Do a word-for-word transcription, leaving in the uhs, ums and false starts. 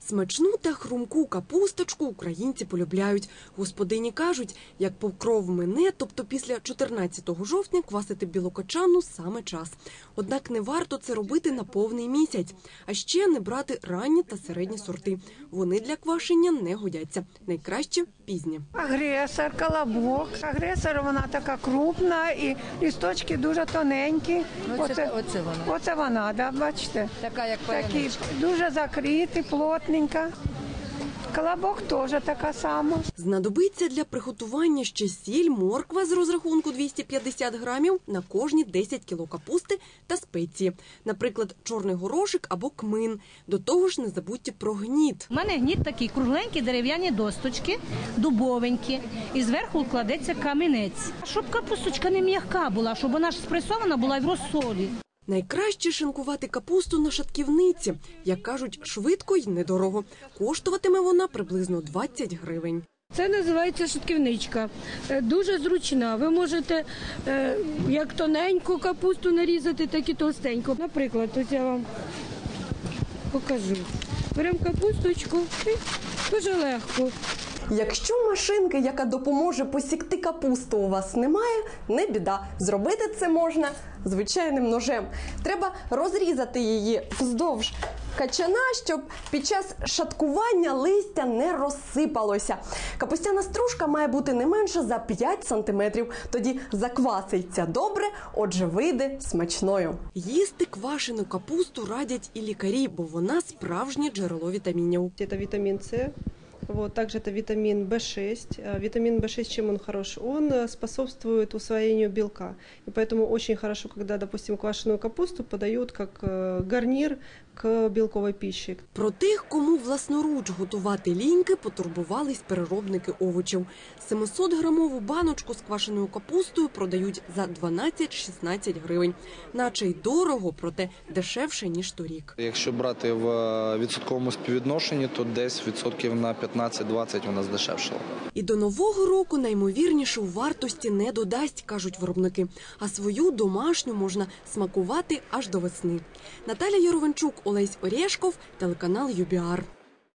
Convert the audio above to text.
Смачну та хрумку капусточку українці полюбляють. Господині кажуть, як покров мине, тобто після чотирнадцятого жовтня квасити білокачану саме час. Однак не варто це робити на повний місяць. А ще не брати ранні та середні сорти. Вони для квашення не годяться. Найкраще – пізні. Агресор, колобок. Агресор, вона така крупна і листочки дуже тоненькі. Оце, оце, оце вона. Оце вона, да, бачите? Така, як Такі, паяничка. дуже закриті, плотненька. Колобок теж така сама. Знадобиться для приготування ще сіль, морква з розрахунку двісті п'ятдесят грамів на кожні десять кіло капусти та спеції. Наприклад, чорний горошок або кмин. До того ж не забудьте про гніт. У мене гніт такий, кругленькі дерев'яні досточки, дубовенькі. І зверху кладеться камінець. Щоб капусточка не м'яка була, щоб вона ж спресована була в розсолі. Найкраще шинкувати капусту на шатківниці. Як кажуть, швидко й недорого. Коштуватиме вона приблизно двадцять гривень. Це називається шатківничка. Дуже зручна. Ви можете як тоненьку капусту нарізати, так і товстеньку. Наприклад, ось я вам покажу. Беремо капусточку і дуже легко. Якщо машинки, яка допоможе посікти капусту, у вас немає, не біда. Зробити це можна звичайним ножем. Треба розрізати її вздовж качана, щоб під час шаткування листя не розсипалося. Капустяна стружка має бути не менше за п'ять сантиметрів. Тоді закваситься добре, отже вийде смачною. Їсти квашену капусту радять і лікарі, бо вона справжнє джерело вітамінів. Це вітамін С. Вот, также это витамин В шесть. Витамин В шесть, чем он хорош? Он способствует усвоению белка. И поэтому очень хорошо, когда, допустим, квашеную капусту подают как гарнир к білковій пищі. Про тих, кому власноруч готувати ліньки, потурбувались переробники овочів. семисотграмову баночку з квашеною капустою продають за дванадцять-шістнадцять гривень. Наче й дорого, проте дешевше, ніж торік. Якщо брати в відсотковому співвідношенні, то десь відсотків на п'ятнадцять-двадцять вона здешевшала. І до Нового року наймовірніше у вартості не додасть, кажуть виробники. А свою домашню можна смакувати аж до весни. Наталя Яровенчук, Олесь Орєшков, телеканал ю бі ар.